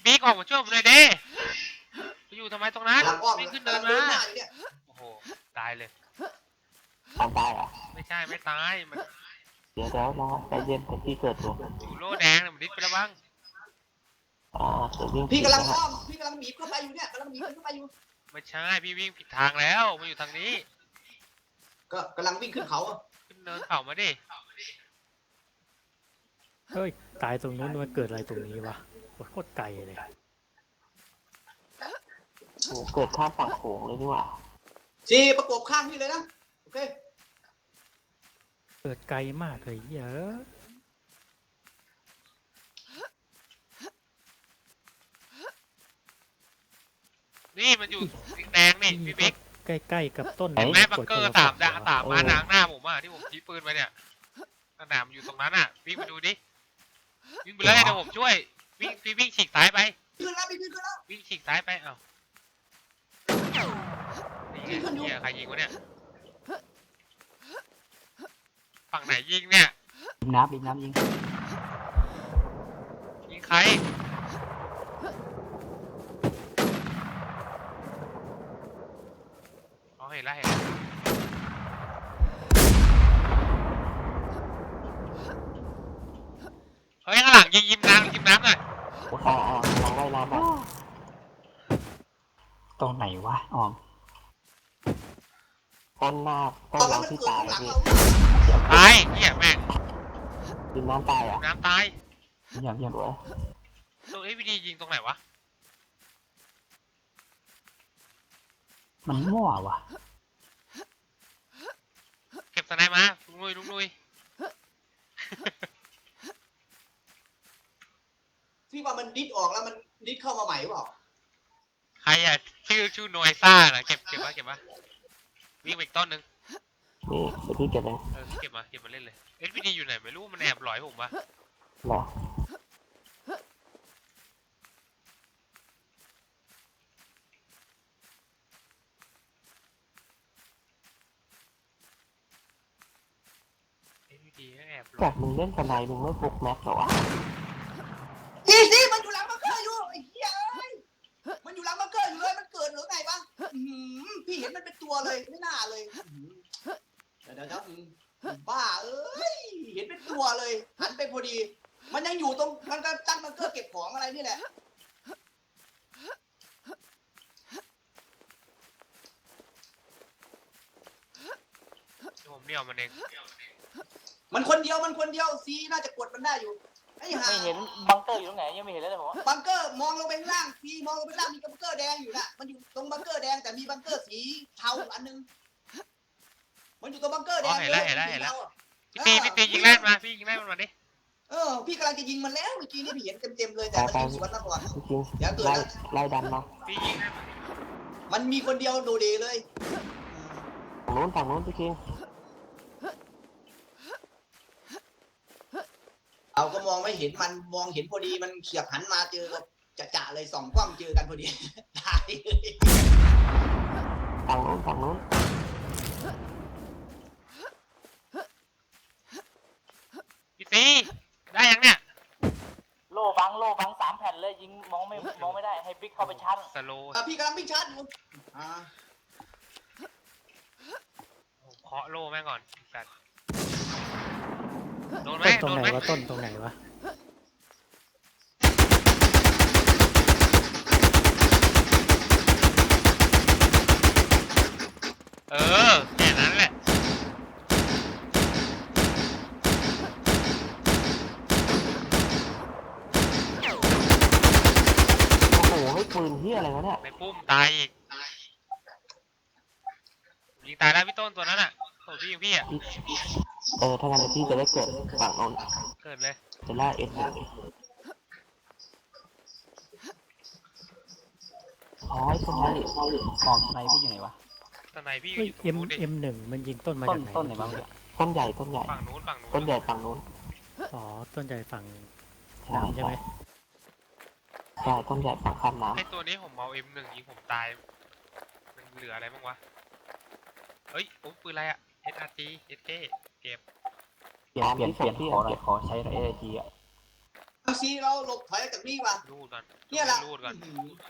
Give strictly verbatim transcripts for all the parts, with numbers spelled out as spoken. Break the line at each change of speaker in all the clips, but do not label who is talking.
ติ๊กออกมาช่วยผมเลยเด้ไปอยู่ทำไมตรงนั้นไม่ขึ้นเดินมาโอ้โหตายเลย
ตายตายอ่ะ
ไม่ใช่ไม่ตายมัน
เดี๋ยวเดี๋ยวรอใจเย็นเป็นที่เกิดอยู่
อยู่โล่แดงเนี่ยมันดิ้นไปแล้วบ้าง
อ่าเดี๋ยววิ่ง
พี่กำลังอ้อมพี่กำลังหนีเข้าไปอยู่เนี่ยกำลังหนีเข้าไปอยู่
ไม่ใช่พี่วิ่งผิดทางแล้วมาอยู่ทางนี้
ก็กำลังวิ่งขึ้นเขา
ขึ้นเนินเขามาดิ
เฮ้ยตายตรงนู้นมันเกิดอะไรตรงนี้วะโคตรไกลเลย
โอ้เกิดข้ามฝั่งโขงเลยนี่หว่า
จีประกบข้างพี่เลยนะโอเค
เกิดไกลมากเลยเยอะ
นี่มันอยู่แดงนี่พี่บิ๊ก
ใกล้ๆกับต้น
แม่บังเกอร์สามดาสามมานางหน้าผมอ่ะที่ผมชี้ปืนไปเนี่ยสนามอยู่ตรงนั้นอ่ะวิ่งไปดูดิวิ่งไปเลยเดี๋ยวผมช่วยวิ่งพี่วิ่งฉีกซ้ายไป
ขึ้นแล้วพี่ขึ้นแล้ว
วิ่งฉีกซ้ายไปเอ้านี่ไงเนี่ยใครยิงวะเนี่ยฝั่งไหนยิงเนี่ย
ยิงน้ำยิงน้ำยิง
ยิงใครอ๋อเห็นแล้วเห็นแล้วเฮ้ยข้างหลังยิงยิงน้ำยิงน้ำหน่อย
อ่าอ่าลองไล่น้ำไปตรงไหนวะออมต้นหน้าต้นเราที่ตายพี่
ตายเหี้ยแม่ง
ยิงน้ำตายอ่ะ
น้ำตาย
เยี่ยมเยี่ยมเลย
ตัวเอฟวีดียิงตรงไหนวะ
มันมั่ววะ
เก็บสไนมาลุงนุยลุงนุย
ที่ว่ามันดิดออกแล้วมันดิดเข้ามาใหม่หรือเปล่า
ใครอ่ะชื่อชื่อโนยซ่านะเก็บเก็บมาเก็บมาวิ่งไปอีกต้นนึง
นี่เดี๋ยวพี่เก็บเอง
เออเก็บมาเก็บมาเล่นเลยเอฟวีดีอยู่ไหนไม่รู้มันแอบหลอยผมปะ
หรอจากมึงเล่นสไนมึงไม่ฟุกแม็กหรอวะ
อีซี่มันอยู่หลังบังเกอร์อยู่ไอ้เหี้ยเอ้ยมันอยู่หลังบังเกอร์อยู่เลยมันเกิดหรือไงบ้างพี่เห็นมันเป็นตัวเลยไม่น่าเลยเดี๋ยวเดี๋ยวบ้าเอ้ยเห็นเป็นตัวเลยหันไปพอดีมันยังอยู่ตรงมันก็ตั้งบังเกอร์เก็บของอะไรนี่แหละ
ผมเดี่ยวมันเอง
มันคนเดียวมันคนเดียวซีน่าจะกดมันได้อยู่ไอ้ห่า
ไม่เห็นบังเกอร์อยู่ตรงไหนยังไม่เห็นเลยผม
บังเกอร์มองลงไปข้างล่างซีมองลงไปข้างล่างมีบังเกอร์แดงอยู่น่ะมันอยู่ตรงบังเกอร์แดงแต่มีบังเกอร์สีเทาอันนึงมันอยู่ตรงบังเกอร์แดง
เห็นแล้วเห็นแล้วเห็นแล้วพี่ตีพี่ตียิงแรกมาพี่ยิงแรกมันมาดิ
เออพี่กำลังจะยิงมันแล้วเมื่อกี้นี่พี่เห็นเต็มๆเลยแต่มันยิงสวนมาก่อน
เดี๋ยวเกิดไล่ไล่ดันมา
พี่ยิง
มันมีคนเดียวโดเดเลย
ฝั่งโน้นฝั่งโน้นพี่คิง
เราก็มองไม่เห็นมันมองเห็นพอดีมันเขียบหันมาเจอจะจะเลยส่องกล้องเจอกันพอดีตายเลย
ฝั่งโน้นฝั่งโน้น
พี่ตีได้ยังเนี่ย
โล่บังโล่บังสามแผ่นเลยยิงมองไม่มองไม่ได้ให้บิ๊กเข้าไปชัน
สโลว์
พี่กำลังบิ๊กชันอยู่อ่า
เคาะโล่แม่งก่อนสัตว์โดนไหม
ตร
โด
งไหน
นไหม
วะต้นตรงไหนวะ
เออแค่นั้นแหละ
โอ้โหไม่ปืนที่อะไรวะเนี่ย
ไม่ปุ้มตายอีกยิงตายแล้วพี่ต้นตัวนั้นอ่ะโอ้พี่พี่อ่ะ
เออถ้างั้นพี่จะได้เกิดฝั่งโน้น
เกิดเลย
จะล่าเอสอ๋อสไนด์ของสไนด์พี่อยู่ไหนวะ
สไนพี่
อยู่เอ็มเอ็มหนึ่งมันยิงต้นมาจากไหน
ต้นไหนบ้างต้นใหญ่ต้นใหญ่
ฝั่งนู้นฝั่งนู้น
ต้นใหญ่ฝั่งนู้น
อ๋อต้นใหญ่ฝั่งน้ำใช่ไหม
ใช่ต้นใหญ่ฝั่งข้ามน้ำ
ไอตัวนี้ผมเอาเอ็มหนึ่งยิงผมตายมันเหลืออะไรบ้างวะเฮ้ยโอ้ปืนอะไรอ่ะ เอส อาร์ จี เอส เค เก็บ
เปลี่ยนเปลี่ยนเปลี่ยนที่ขอหน่อยขอใช้เอส อาร์ จี อ่ะ
ซีเราหลบถอยจากนี่ว่ะ
รูดก่อน
เนี่ยแหละ
รูดก่อน
อื้อหือ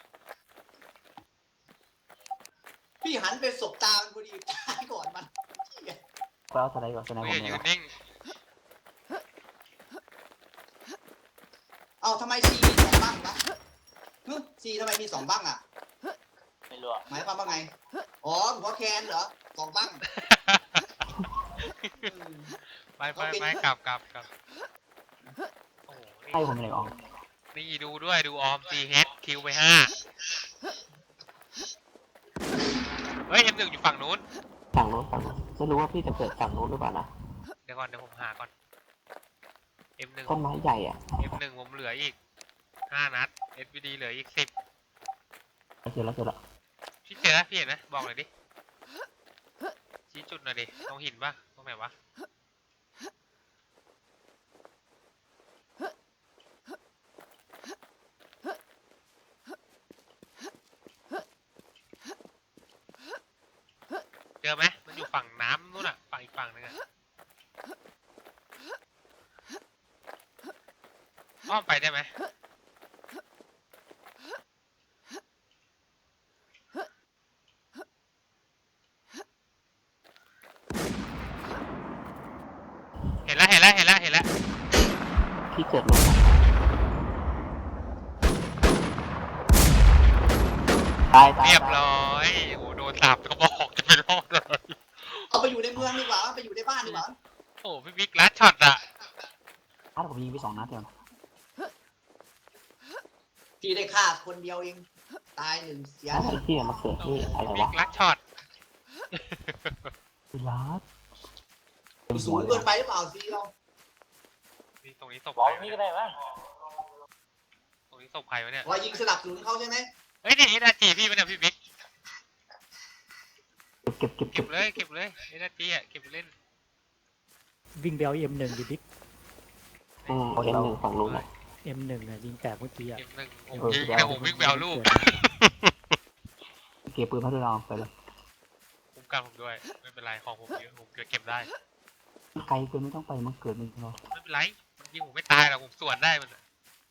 พี่หันไปสบตามันพอดีตายก่อนมัน
ไปเอาสไนด์ก่อนสไนด์ผ
เฮ้
ม
ย
เนี่
ยื
ย
นนิ่ง
เอาทำไมซีมีสองบ้างวะฮึซีทำไมมีสองบ้างอ่ะ
ไม่รู้อะ
หมายความว่าไง อ๋อหัวแคนเหรอสองบ้างอืม
ไปไปไปกลับกลับกลับโอ้โห
ให้ผมเลยออก
นี่นี่ดูด้วยดูออมซีเฮดคิวไปห้าเฮ้ยเอ็มหนึ่งอยู่ฝั่งนู้น
ฝั่งโน้นฝั่งโน้นไม่รู้ว่าพี่จะเปิดฝั่งโน้นหรือเปล่านะ
เดี๋ยวก่อนเดี๋ยวผมหาก่อนเอ็มหนึ่ง
ต้นไม้ใหญ่อ่ะ
เอ็มหนึ่งผมเหลืออีกห้านัดเอสวีดีเหลืออีกสิบ
เจอแล้วเจอแล้ว
พี่เจอแล้วพี่เห็นไหมบอกหน่อยดิชี้จุดหน่อยดิตรงหินปะตรงไหนวะเจอไหมมันอยู่ฝั่งน้ำนู่นอะฝั่งอีกฝั่งนึงอะอ้อมไปได้ไหมเห็นแล้วเห็นแล้วเห็นแล้วเห็นแล้ว
พี่เกิดลงตายตาย
เรียบร้อยโอ้โดนสามกระบอกจะไม่รอดเลย
เอาไปอยู่ในเมืองดีกว่าไปอยู่ในบ้านดีกว่า
โอ้พี่บิ๊กลัดช็อตอะ
ถ้าผมยิงไปสองนัดเดียวนะ
พี่ได้ฆ่าคนเดียวเองตายหนึ่งเสีย
แล้วไอ้ที่มาเกิดที่อะไร
บิ๊
วะ
กลัดช็อต
พิลาส
สูงเกินไปหรือเปล่าซีเรา
นี่ตรงนี้ศพ
ร้อ
ใค
ย
รวะ
นี่
เนี่
ก็
ย
ได้มั้ง
ตรงนี้ศพใครวะเนี่ย
เรายิงสนับสนุนเขาใช่ไหม
เฮ้ยนี่เอ็นอาร์จีพี่มันเนี่ยพี่บิ๊ก
เก็บเก็บเก็
เก็
บบ
เลยเก็บเลยเอ็นอาร์จีอะเก็บไปเล่น
วิ่งไปเอาเอ็มหนึ่งดิบิ๊ก
อืมเอาเอ็มหนึ่งฝั่งนู้นนะ
เอ็มหนึ่งอะยิงแตกเมื่อกี้อะ
เก็บหนึ่งผม
เออ
ยิงแต่ผมวิ่งไปเอาลูก
เก็บปืนพัทยาไปเลย
คุ้มกันผมด้วยไม่เป็นไรของผมเยอะผมเกิดเก็บได้
ไกลเกินไม่ต้องไปมันเกิดมึงเรา
ไม่เป็นไรมันยิงผมไม่ตายหรอกผมสวนได้มันอะ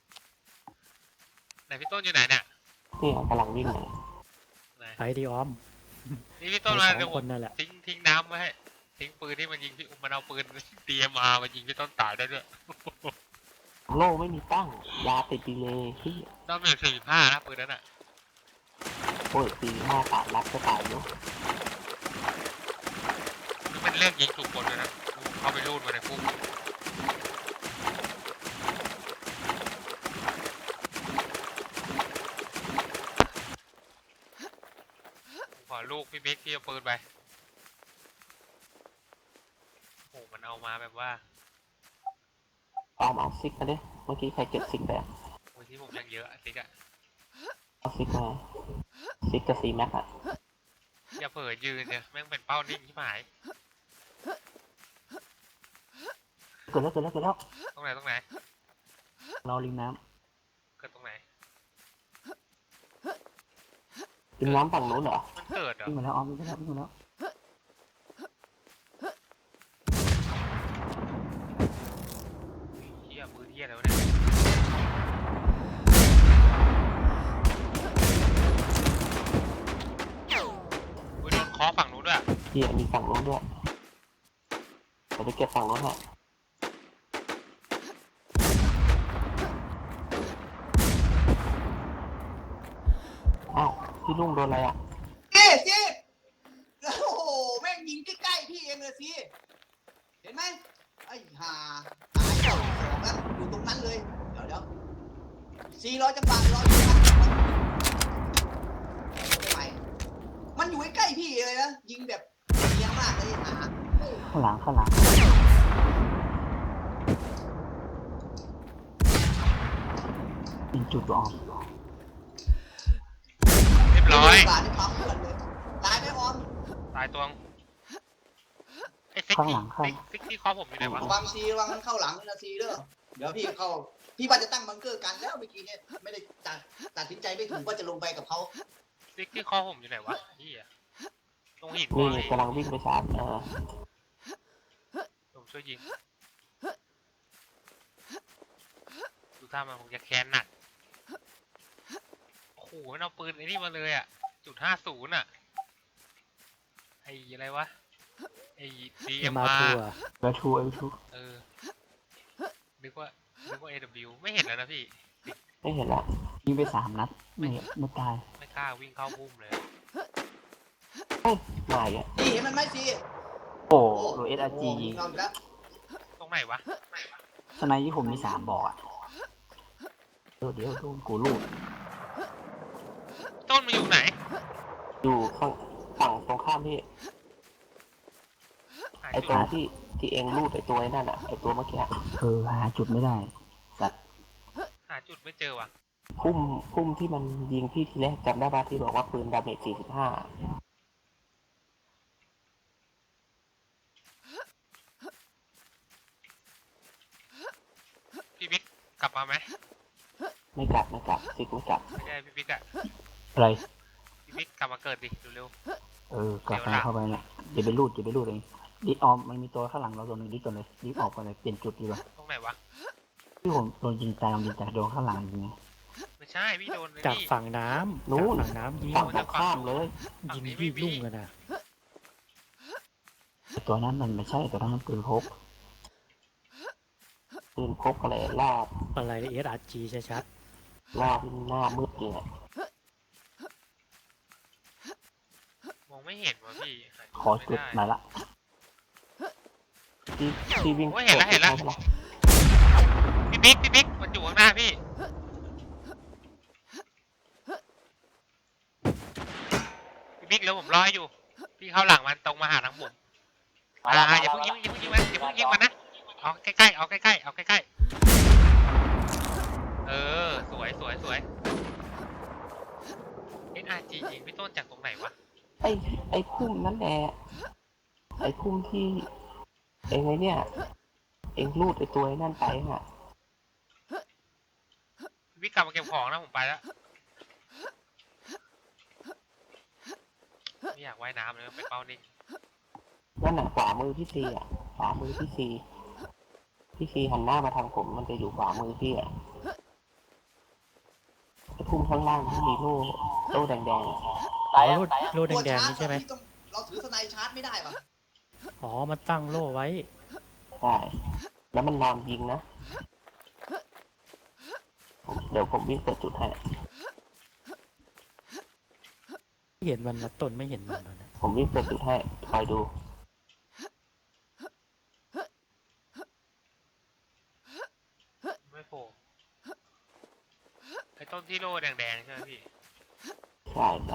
ไหนพี่ต้นอยู่ไหนเนี่ย
นี่กำลังวิ่งเลย
ไหน
ไปดิออม
นี่พี่ต้
ไป
น
ส
มา
อง
เดี๋ยว
ค
ผ
น
ม
นั่นแหละ
ทิ้งทิ้งน้ำไว้ให้ทิ้งปืนที่มันยิงพี่มันเอาปืนเตรียมมามายิงพี่ต้นตายได้ด้วย
โล่ไม่มีตั้งยาติดดีเลยที่
ต้องเป็นสี่สิบห้านะปืนนั้นอ่ะ
โอ้ยตีห้าตารัดก็ตายเนาะ
นี่มันเรื่องยิงถูกคนเลยนะเข้าไปรูดมาในคุกขอลูกพี่บิ๊กที่เอาปืนไปโอ้มันเอามาแบบว่า
ตามเอาซิกมาดิเมื่อกี้ใครเก็บซิกไปอะ
โอ้ยที่ผมยังเยอะอะติ๊กอะ
เอาซิกมาซิกกับซีแม็กอะ
อย่าเผลอยืนเนี่ยแม่งเป็นเป้านิ่งที่หาย
เกิดแล้วเกิดแล้วเกิดแล้ว
ตรงไหนตรงไหน
เราริมน้
เกิดตรงไหน
ำริมน้ำฝั่งนู้นเหรอ
มันเกิดเหรอ
วิ่งมาแล้วออมวิ่งมาแล้ววิ่งมาแล้ว
เฮียปืนเฮียอะไรวะเนี่ยอุ้ยโดนเคอฝั่งนู้นด้วยอะ
ที่มีฝั่งนู้นด้วยเดี๋ยวไปเก็บฝั่งนู้นฮะอ้าวพี่ลุงโดนอะไรอ่ะ
ซีซีโอ้โหแม่งยิงใกล้ๆพี่เองเลยซีเห็นไหมไอ้ห่าตายเจ้าของแล้วอยู่ตรงนั้นเลยเดี๋ยวเดี๋ยวซีร้อยจังหวะร้อยจังหวะไม่ไหวมันอยู่ใกล้ๆพี่เลยนะยิงแบบเนียนมากเลยห่า
ข้างหลังข้างหลังยิงจุดออม
เรียบร้อย
บาทในปั๊มเพื่อนเลยตายไหมออม
ตายตัวงไอ้ซิก
ข้าง
ที่
หลังข้าง
ซิกซิกที่เคอผมอยู่ไหนวะ
ระวังซีระวังมันเข้าหลังนะซีเด้อเดี๋ยวพี่เข้าพี่ว่าจะตั้งบังเกอร์กันแล้วเมื่อกี้เนี่ยไม่ได้ตัดตัดสินใจไม่ถูกว่าจะลงไปกับเขา
ซิกที่เคอผมอยู่ไหนวะเฮียตรงหิน
นี่
วะ
กำลังวิ่งไปชาร์จเออ
ผมช่วยยิงอยู่ท่ามันคงจะแค้นหนักโอ้โหมันเอาปืนไอ้นี่มาเลยอ่ะจุดห้าศูนย์อ่ะไอ้อะไรวะไอ้ดี
เอ็
เอ็
ม
ม
อาร์
อา
ทู
ร์
อ่ะ
เอลทูเอลทู
เออนึกว่านึกว่า เอ ดับเบิลยู ไม่เห็นแล้วนะพี่
ไม่เห็นละยิงไปสามนัดไม่ไม่ตาย
ไม่กล้าวิ่งเข้าพุ่มเลย
เฮ้ยมาอีกอ่ะ
ซีเห็นมันไหมซี
โอ้โหเอสอาร์จียิง
เอาอีกแล้ว
ตรงไหนวะ
สไนที่ผมมีสามบอกอ่ะเดี๋ยวเดี๋ยวโดนกูลูด
ต้นมันอยู่ไหน
อยู่ข้างฝั่งตรงข้ามที่
หา
ไอ
จุ
ตัว
ด
ที่ที่เองลูดไอตัวไอ้นั่นอ่ะไอตัวเมื่อกี้เออหาจุดไม่ได้สัตว์
หาจุดไม่เจอว่ะ
พุ่มพุ่มที่มันยิงพี่ทีแรกจำได้ป่ะที่บอกว่าปืนดาเมจสี่สิบห้า
พี่บิ๊กกลับมาไหม
ไม่กลับไม่กลับซิกไม่กลับ
ไม่ใช่พี่บิ๊กอะ
อะไร
พี่บิ๊กกลับมาเกิดดิเร็ว
เออกลับไปเข้าไปเนี่ยอย่าไปลูดอย่าไปลูดเองดิออมมันมีตัวข้างหลังเราตัวหนึ่งดิก่อนเลยดิออกไปเลยเปลี่ยนจุดดีกว่า
ๆตรงไหนวะ
ที่ผมโดนยิงตายโดนยิงตายโดนข้างหลังยิงไง
ไม่ใช่พี่โดนไอ้
จาก
นี่
ฝั่งน้ำ
นู้
จาก
น
ฝั่งน้ำยิง
ฝั่งตรงข้ามเลย
ยิงพี่ลุ่งกันนะ
ตัวนั้นมันไม่ใช่ตัวนั้นมันปืนพกปืนพกอะไรลาบ
อะไรเอสอาร์จีชัด
ลาบหน้ามืดเลยอะ
มองไม่เห็นว่ะพี่หา
ขอ
ไม่
จุด
ได้
หน่อยละที่ที่วิ่ง
โอ้ยเห็นแล้วเห็นแล้ว
ใช่ปะ
พี่บิ๊กพี่บิ๊กมันอยู่ข้างหน้าพี่พี่บิ๊กแล้วผมรอให้อยู่ พี่เข้าหลังมันตรงมาหาทางผมอ่าอย่าเพิ่งยิงอย่าเพิ่งยิงมันอย่าเพิ่งยิงมันนะเอาใกล้ๆเอาใกล้ๆเอาใกล้ๆเออสวยสวยสวย เอ็น อาร์ จี ยิงพี่ต้นจากตรงไหนวะ
ไอ้ไอ้พุ่มนั่นแหละไอ้พุ่มที่เองไอ้เนี่ยเองลูดไอ้ตัวไอ้นั่นไปฮะ
พี่บิ๊กกลับมาเก็บของนะผมไปแล้วไม่อยากว่ายน้ำเลยไปเป้านิ่ง
นั่นน่ะขวามือพี่ซีอ่ะขวามือพี่ซีพี่ซีหันหน้ามาทางผมมันจะอยู่ขวามือพี่อ่ะไอ้พุ่มข้างล่างที่มีโล่โล่แดงๆอะ
ๆอ๋อโลดโลดแดงๆนี่ใช่ไหม
ตัวชาร์จอะพี่ต้องเราถือสไนชาร์จไม่ได้ป่ะ
อ๋อมันตั้งโล่ไว้
ใช่แล้วมันนอนยิงนะผมเดี๋ยวผมวิ่งเปิดจุดให้
เห็นมันนะต้นไม่เห็นมันนะ
ผมวิ่งเปิดจุดให้คอยดู
ไม่โผล่ไอ้ต้นที่โล่แดงๆใช่ไหมพี่
ใช่ใช่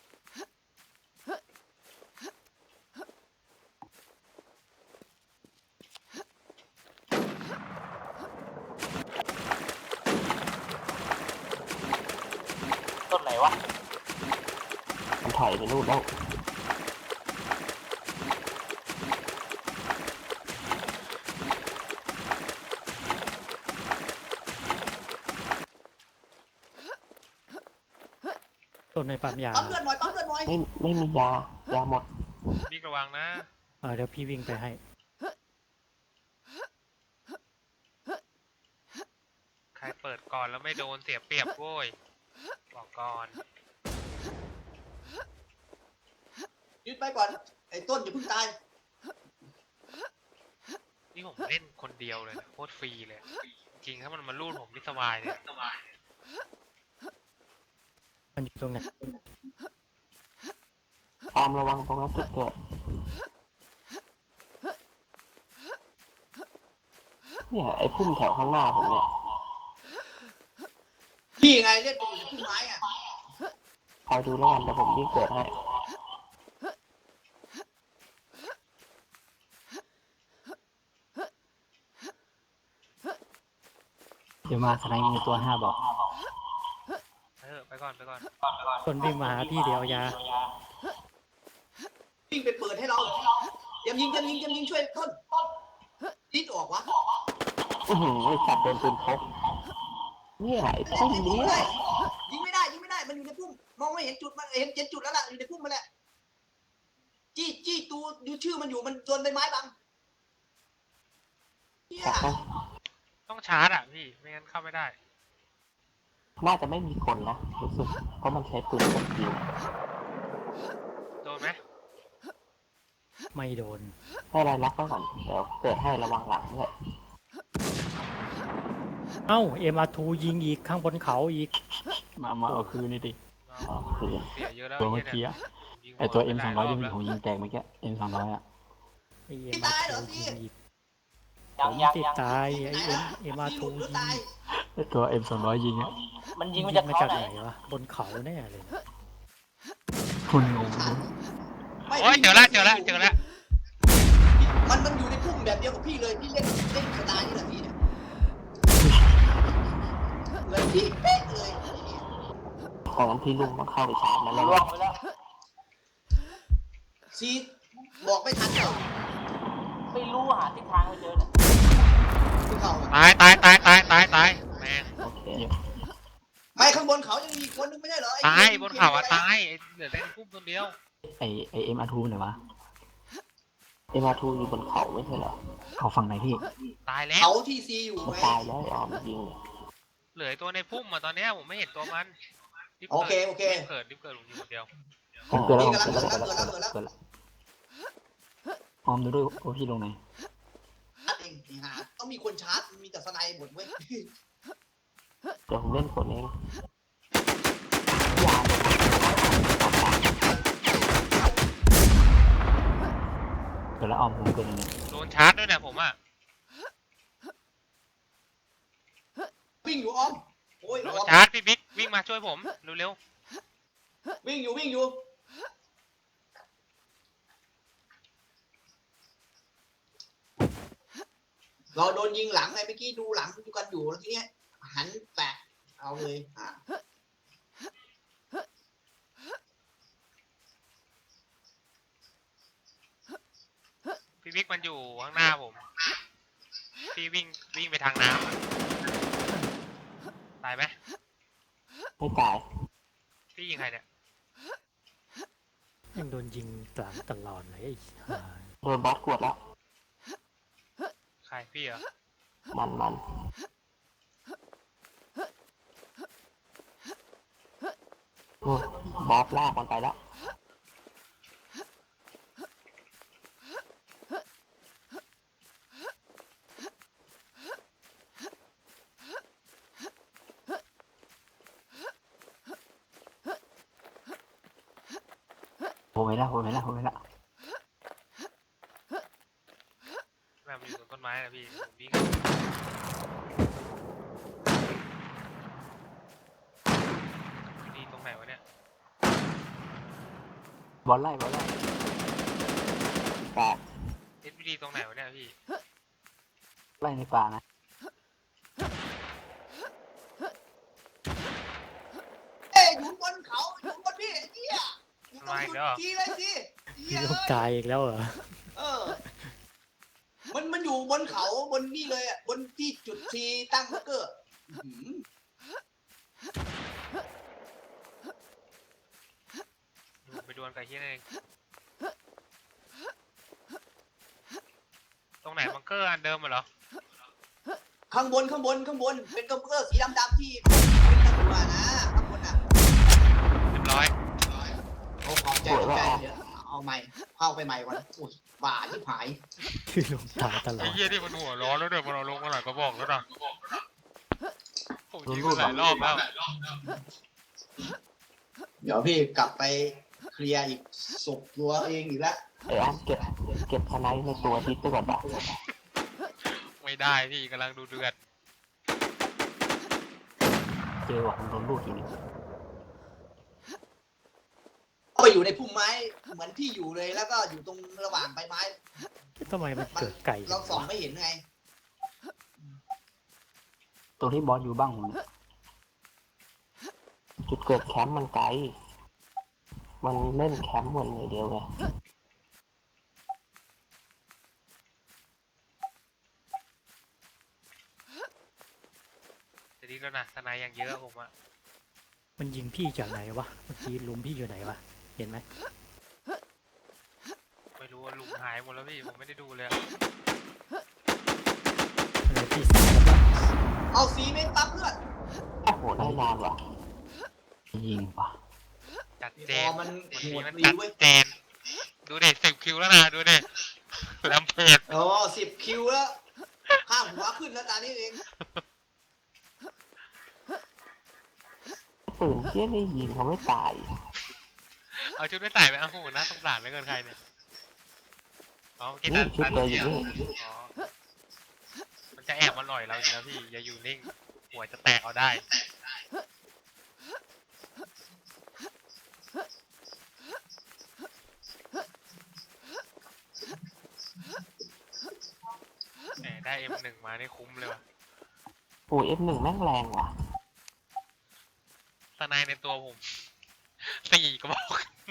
ต้นไหนวะ
มันถอยไปนู่นแล้ว
ต้นในปั๊มยา
ปั๊มเลือดหน่อยปั๊มเลือดหน่อย
ไม่ไม่มียายาหมด
บิ๊กระวังนะ
เออเดี๋ยวพี่วิ่งไปให้
ใครเปิดก่อนแล้วไม่โดนเสียเปรียบโว้ยบอกก่อน
ยึดไปก่อนไอ้ต้นอย่าเพิ่งตาย
นี่ผมเล่นคนเดียวเลยนะโคตรฟรีเลย จริงถ้ามันมาลูดผมนี่สบายเลย
มันอยู่ตรงไหน
ตามระวังตรงนั้นจุดเกิดเนี่ยไอ้พุ่มแถวข้างหน้าผมเนี่ย
พี่ไงเล่นไปอยู่ในพุ่มไม้อะ
คอยดูแล้วกันเดี๋ยวผมวิ่งเกิดให้เดี๋ยวมาสไนมีตัวห้าบอก
เออไปก่อนไปก่อน
ต้นวิ่งมาหาพี่เดียวยา
วิ่งไปเปิดให้เราเตรียมยิงเตรียมยิงเตรียมยิงช่วยต้นดิ้นออกวะ
อือหือไอ้สัตว์โดนปืนพกเนี่ยไอ้พุ่ม
ยิง
นี้
ไม่ได้ยิงไม่ได้ยิงไม่ได้มันอยู่ในพุ่มมองไม่เห็นจุดมันเห็นเจ็ดจุดแล้วล่ะอยู่ในพุ่มมันแหละจี้จี้ตูดูชื่อมันอยู่มันโดนใบไม้บังเฮีย
จับนะ
ต้องชาร์จอ่ะพี่ไม่งั้นเข้าไม่ได้
น่าจะไม่มีคนนะรู้สึกเพราะมันใช้ปืนกดยิง
โดนไหม
ไม่โดน
ให้รายล็อกไว้ก่อนเดี๋ยวเกิดให้ระวังหลังด้วย
เอ้าเอ็มอาร์ทูยิงอีกข้างบนเขาอีก
มามาเอาคืนนี่ดิ
อ๋อคือ
เสียเยอะแล้ว
ตัวเมื่อ
หี้
กี้
ย
อะ
นี่ย
ไอตัว
ยิ
M
ง
สอง
ห
ร้
ลา
อยที่
บแล้ว
ผมยิงแตกเมื่อกี้ M สองร้อยอะ
ไอเอ็มอาร์ทูยิงอีกผ
ยัง
ม
ยัง
ติด
ยัง
ตายไอเอ็มเอ็มอาร์
ห
ทู
ลุดหรือ
ยิง
ตาย
ไอตัว M สองร้อยยิงอะ
มันยิงมา
ยิ
จาก
งมา
เขา
จาก
ไหน
ไหนวะบนเขาแน่เลยนะ
คุณงง
ไม่
โอ้ยเจอละเจอละเจอละ
มันมันอยู่ในพุ่มแบบเดียวกับพี่เลยพี่เล่นเล่นสไตล์นี่แหละพี่เนี่ยเลยพี่เป๊ะเลย
ตอนนั้นพี่ลุงต้องเข้าไปชาร์จมันแล้ว
ล่วงไปแล้ว
ซีบอกไม่ทันเหรอ
ไม่รู้หาทิศทางไม่เจอเนี่ย
คือเขาอะ
ตายตายตายตายตายตายแม่ง
โอเค
ไม่ข้างบนเขายังมีคนนึงไม่ใช่เหรอไอ้
ตาย
ที่
บนเขาอะตายไอ้เหลือแต่ในพุ่มตัวเดียว
ไอไอ M อาร์ทูไหนวะ
เอ็มอาร์ทูอยู่บนเขาไม่ใช่เหรอ
เขาฝั่งไหนพี่
ตายแล้ว
เขาที่ซีอยู่
มัน
ไง
ตายแล้วไอ้ออมยิงเนี่ย
เหลือไอ้ตัวในพุ่มอะตอนเนี้ยผมไม่เห็นตัวมันรีบ
โอ
กิด
เคโอเค
รีบเกิดรีบเกิดผมอยู่คนเดียว
ผมเกิดแล้ว
นี่
ผม
กำลัง
เกิดแล้ว
เกิดแล้วเกิดแล้ว
เกิดแล้วออมดูด้วยว่าพี่ลงไหน
ชาร์จเองนี่ฮะต้องมีคนชาร์จมีแต่สไนด์หมดเว้ย
เดี๋ยวผมเล่นคนเองอย่าเลย
เกิดแล้วออมผมเกิดยังไง
โดนชาร์จด้วยนะผมอะ
วิ่งอยู่อ้อมโอ้ย
โด
อ้
น
อม
ชาร์จพี่บิ๊กวิ่งมาช่วยผมเร็ว
วิ่งอยู่วิ่งอยู่เราโดนยิงหลังไงเมื่อกี้ดูหลังดูกันอยู่แล้วทีเนี้ยหันแตะเอาเลยอ่ะ
ๆพี่บิ๊กมันอยู่ข้างหน้าผมพี่วิ่งวิ่งไปทางน้ำอะตายไหม
ไม่ตาย
พี่ยิงใครเนี่ย
ยังโดนยิงกลางตลอดเลยไอ้ห่า
โดนบอสกวดแล้ว
ใครพี่เหรอ
มันมันโอ้ยบอสลากมันไปแล้ว
ผมไม่ละผมไม่ละผมไม่ละ
แม่งมันอยู่ตรงต้นไม้นะพี่ผมวิ่งนี่ตรงไหนวะเนี่ย
บอลไล่บอลไล่
แตก
เอสพีดีตรงไหนวะเนี่ยพี่
ไล่ในป่านะ
เอ้ยอยู่บนเขาอยู่บนพี่ไอ้เหี้ยอยู่ตรงจุดทีเลยสิเหี้
พี่
ย
ลูกตายอีกแล้วเหรอ
เออ มันมันอยู่บนเขาบนนี่เลยอ่ะบนที่จุดทีตั้งเกอร์อื้อหือ
ดูไปดวลกับเฮียนั่นเองตรงไหนบังเกอร์อันเดิมเหรอ
ข้างบนข้างบนข้างบนเป็นเกอร์สีดำๆที่เป็นตะกั่วนะข้างบนอ่ะ
เรียบร้อย
โอ้ขอบใจขอบใจเดี๋ยวเอาใหม่เข้าไปใหม่ก่อนอุ้ยบ้าที่หาย
พี่ลูกตายตลอ
ไอ้
ด
เฮียที่มันหัวร้อนแล้วเดี๋ยวมันเอาลงมาหลายกระบอกแล้วนะผมยิงมันหลายรอบแล้ว
เดี๋ยวพี่กลับไปเคลียร์อีกศพตัวเองอีกแล้ว
ไอ้ออมเก็บเก็บสไนป์ในตัวทิศไปก่อนปะ
ไม่ได้พี่กำลังดูเดือด
เจอว่ะผมโดนลูกทีนึง
ก็ไปอยู่ในพุ่มไม้เหมือนพี่อยู่เลยแล้วก็อยู่ตรงระหว่างใบไม้
ทำไมมันเกิดไก่
เราส่องไม่เห็นไง
ตรงที่บอสอยู่บ้างผมเนี่ย
จุดเกิดแคมป์มันไกล มันเล่นแคมป์หมดเลยเดียวไง
จะดีแล้วนะทนายอย่างเยอะผมอะ
มันยิงพี่จากไหนวะเมื่อกี้ลุมพี่อยู่ไหนวะเห็นไหม
ไม่รู้ว่าลุงหายหมดแล้วพี่ผมไม่ได้ดูเลยอะ
ทำไมพี่สายแล้วปะ
เอาสีเมตรปั๊บเพื่อน
โอ้โหแน่นอนว่ะ
ยิงว่ะ
จัด
พ
เจ
อน มัน
วัน
โห
นี้
ด
มัน
ดี
จัด
เว้ย
เจนดูเด็สิบคิวแล้วนะดูเด็ลำเพจ
โอ้สิบคิวแล้วข้ามหัวขึ้นแล้วตานี้เอง
ปืนเชี่ยนี่ยิงเขาไม่ตาย
เอาชุดไม่ใส่ไปเอาโหนะสงสารเหลือเกินใครเนี่ยเอากิน
นี่
ตา
ชุด
ตา
เดียวอยู่นี่
อ๋อมันจะแอบมาหน่อยเราอยู่แล้วพี่อย่าอยู่นิ่งหัวจะแตกเอาได้แหมได้เอ็มหนึ่งมานี่คุ้มเลยว่ะ
โอ้เอฟหนึ่งแม่งแรงว่ะ
สไนในตัวผมสี่กระบอก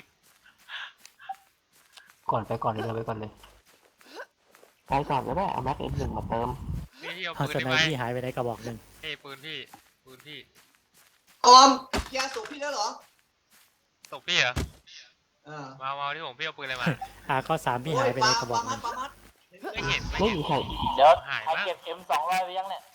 ก่อนไปก่อนเลยเราไปก่อนเลย
ไปก่อนก็ได้เอาแม็กเอฟหนึ่งมาเติม
นี่พี่เอา
เอา
ปืน
ส
ได้
ไน
ไหม
พี่หายไปไหนกระบอกหนึ่ง
เอ้ยปืนพี่ปืนพี่
ออมยาสูบพี่แล้วเหรอ
ตกพี่เหรอ
เออ
มามาที่ผมพี่เอาปืนอะไรมา
อาข้อสามพี่หายไปไหนกระบอกห
มั
นึ่
ด
ง
ปามัด
ไม่เห็นไม่
ไม่
เห็น
มีใคร
เดี๋ยว
หาย
ใคร
มาก
เก็บเอ็มสองร้อยไปยังเนี่ย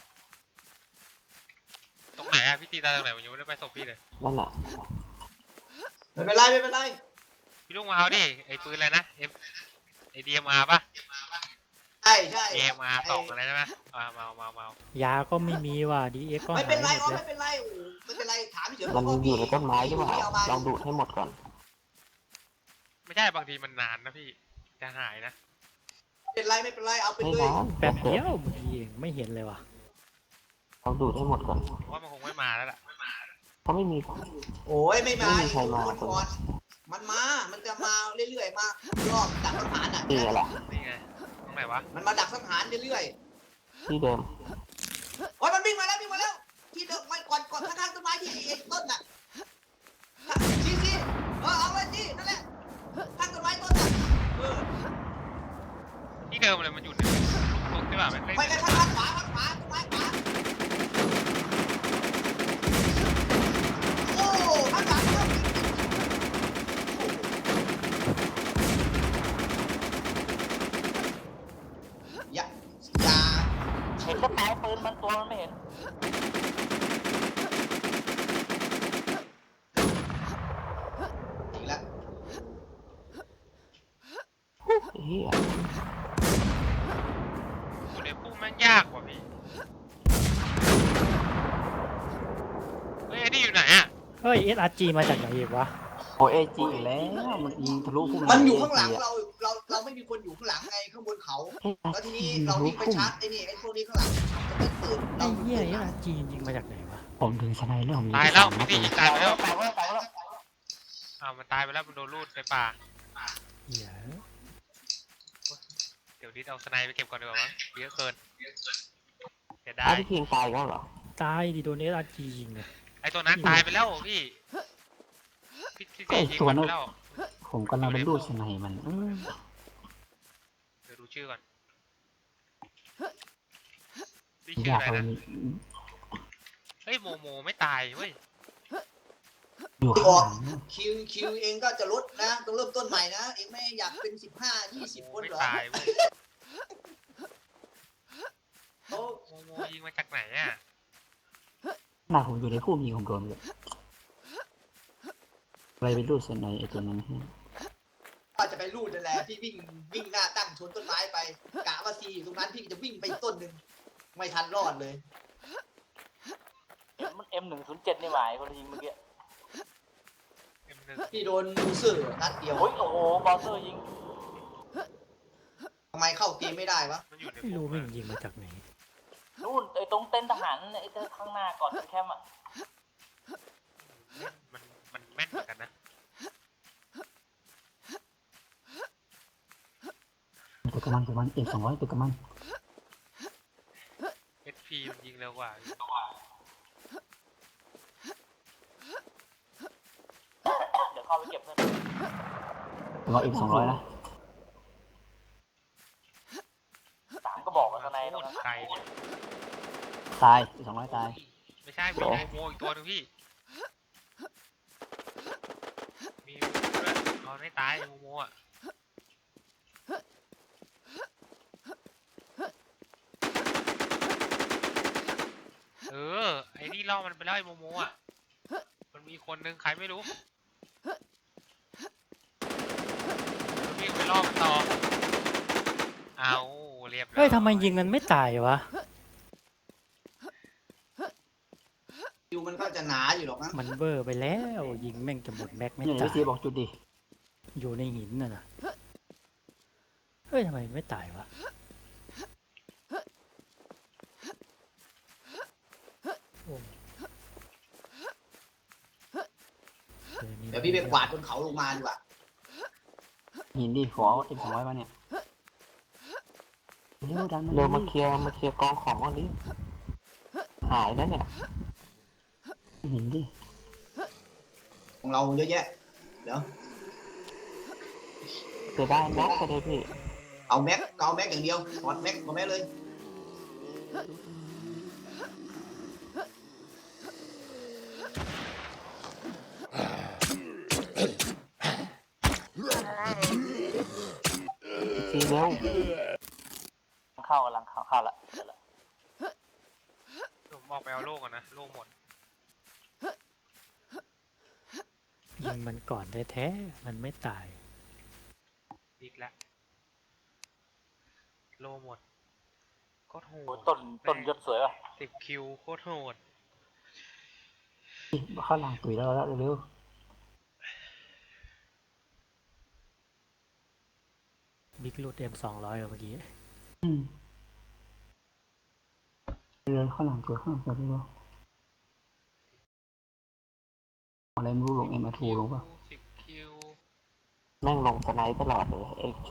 ตรงไหนอะพี่ตีตาตรงไหนผมยังไม่ได้ไปศพพี่เลย
นั่นแหละ
ไม่เป็นไรไม่เป็นไร
พี่ลุงมาเอาดิไอ้ปืนอะไรนะเอ็มไอ้ดีเอ็มอาร์ป่ะ
ใช่ใช่
ดีเอ็มอาร์สองอะไรใช่ไหมมามามามา
ยาก็ไม่มีว่ะดีเอ็กก็
ไม่
หา
เป็น
ย
ไร
หม
อ๋อ
ดแล้ว
ไม่เป็นไรโอ้ไม่เป็นไรถามเฉย
มันอยู่ในต้นไม้ใช่ป่ะลองดูดให้หมดก่อน
ไม่ใช่บางทีมันนานนะพี่จะหายนะ
ไม่เป็นไรไม่เป็นไรเอาไป
ไม่
เลย
นาน
แป๊บเดียวเมื่อกี้เองไม่เห็นเลยว่ะ
ลองดูดให้หมดก่อน
เพราะว่ามันคงไม่มาแล้วล่ะ
เขาไม่มี
โอ้ยไม่มา
ไม่มีใครมา
คนก่อนมันมา มันจะมาเรื่อยๆมารอบดักสังหารอ่ะ
นี่แหละ
นี่ไงตรงไหนวะ
มันมาดักสังหารเรื่อย
ที่เดิม
ๆโอ้ยมันวิ่งมาแล้ววิ่งมาแล้วที่เดิมมันก่อนก่อนข้างๆต้นไม้ที่เอกต้นน่ะชี้ชี้เออเอาไว้ที่นั่นแหละข้างต้นไม้ต้นน่ะเออ
ที่เดิมเลยมันอยู่ในตรงที่แบบมันไม่
ไปกันข้างๆขวาข้างขวาต้นไม้ขวาโอ้ข้างหลังเริ่มอย่าอย่า
เห็นก็แตะปืนมันตัวมันไม่เห็น
อีกแล้ว
เฮีย
อยู่ในพุ่มแม่งยากกว่าพี่เฮ้ยไอ้นี่อยู่ไหนอะ
เฮ้ยเอสอาร์จีมาจากไหนอีกวะ
โอเอจีอีกแล้วมันยิงทะลุพุ่ม
มันอยู่ข้างหลังเรา เรา เราไม่มีคนอยู่ข้างหลังไงข้างบนเขา แล้วทีนี้เราวิ่งไปชาร์จไอ้นี่ไอ้พวกนี้ข้างหลังมันจะตื่น
ไอ้เหี้ยเอสอาร์จียิงมาจากไหนวะ
ผมถึงสไนเรื่องผมยิง
ตายแล้ว
ไป
พี่
สามนัด
ตี
เลย
ตายไปแล้ว
ตายแล้วตายแล้ว
อ้าวมันตายไปแล้วมันโดนลูดในป่า
เหี้ย
เดี๋ยวดิสเอาสไนไปเก็บก่อนดีกว่ามั้งเยอะเกินเสียดา
อ้าวย พี่พิงตายแล้วเหรอ
ตายดิโดนเอสอาร์จียิงเลย
ไอ้ตัวนั้นตายไปแล้วพี่พี่พี่ตียิงมันไปแล้ว
ผมกำลังเป็นรูดสไนมันเออ
เดี๋ยวดูชื่อก่อนพี่ชื่อย
อาก
อะไร
เอา
นะ
มี
เฮ้ยโมโมไม่ตายเว้ย
อยู่ข้างหลัง
คิวคิวเองก็จะลดนะต้องเริ่มต้นใหม่นะ เองไม่อยากเป็นสิบห้ายี่สิบคน
ไม่
เหรอ
ตายเว้ย
เขา
โมโมยิงมาจากไหนอ่ะ
หน้าผมอยู่ในพุ่มยิงผมโดนเลยอะไรเป็นรูดสไนไอตัวนั้นให้
ก็จะไปรูดนั่นแหละพี่วิ่งวิ่งหน้าตั้งชนต้นไม้ไปกะว่าซีอยู่ตรงนั้นพี่จะวิ่งไปต้นหนึ่งไม่ทันรอดเลย
มันเอ็มหนึ่งศูนย์เจ็ดนี่หมายคนยิงเมื่อกี้
เอ็มหนึ่ง
พี่โดนมูเซอร์นัดเดียว
โอ้ยโอ้โหบอลเซอร์ยิง
ทำไมเข้าเกมไม่ได้วะ
มันอยู่ใน
ไม่รู้
พุ่
ไม่
ม
ยิงมาจากไหน
นู่นไอ้ตรงเต็นท์ทหารไอ้เจ้าข้างหน้าก่อนถึงแคมป์อ่ะ
มันมันแม่นเหมือนกันนะ
ตัวกระมันตัวมันเอกสองร้อยตัวกระมัน
เอสพีมันยิงเร็วกว่า
เดี๋ยวเข้าไปเก็บเพื่อน
ตัวเอกสองร้อยนะ
สามก็บอกว่าในตรงนั้น
ใครเนี่ย
ตายสองร้อยตาย
ไม่ใช่มีโมโมอีกตัวหนึงพี่มีด้วยเอาไม่ตายโมโมอ่ะล่อมันไปแล้วไอ้โมโมอ่ะมันมีคนนึงใครไม่รู้มันวิ่งไปล่อมันต่อเอาเรียบร้อย
เฮ้ยทำไมยิงมันไม่ตายวะ
คิวมันก็จะหนาอยู่หรอกนะ
มันเบอร์ไปแล้วยิงแม่งจะหมดแม็กไม่
เนี่ย
ตา
พี่
ย
ซีบอกจุดดิ
อยู่ในหินน่ะนะเฮ้ยทำไมไม่ตายวะโอ้ออนี่
เดี๋ยวพี่ไปกวาดบนเขาลงมาดีกว่า
หินดิขอเอ็มสองร้อยมาเนี่ยเร็วดัน
เร็วมาเคลียร์มาเคลียร์กองของก่อนดิหายแล้วเนี่ย
หินดิ
ของเราเยอะแยะเดี๋ยว
จะได้แม็กก็ได้พี่
เอาแม็กเอาแม็กอย่างเดียวถอดแม็กมาแม็กเลย
ซีเร็ว
เข้ากำลังเข้าเข้าละเดี๋ยวละ
ผมออกไปเอาโล่ก่อนนะโล่หมด
ยิงมันก่อนแท้ๆมันไม่ตาย
อีกแล้วโล่หมดโคตรโห
โอ้
ด
ต้นต้นยศสวยป่ะ
สิบคิวโคตรโหด
ข้างหลังตุ๋ยแล้วแล้วเร็ว
บิ๊กลูดเอ็มสองร้อยเมื่อกี้
อืมเร็วข้างหลังตุ๋ยข้างหลังตุ๋ยเร็วอะไรไม่รู้ลงเอ็มอาทูลงป่ะ
สิบคิว
แม่งลงสไนป์ตลอดเลยไอ้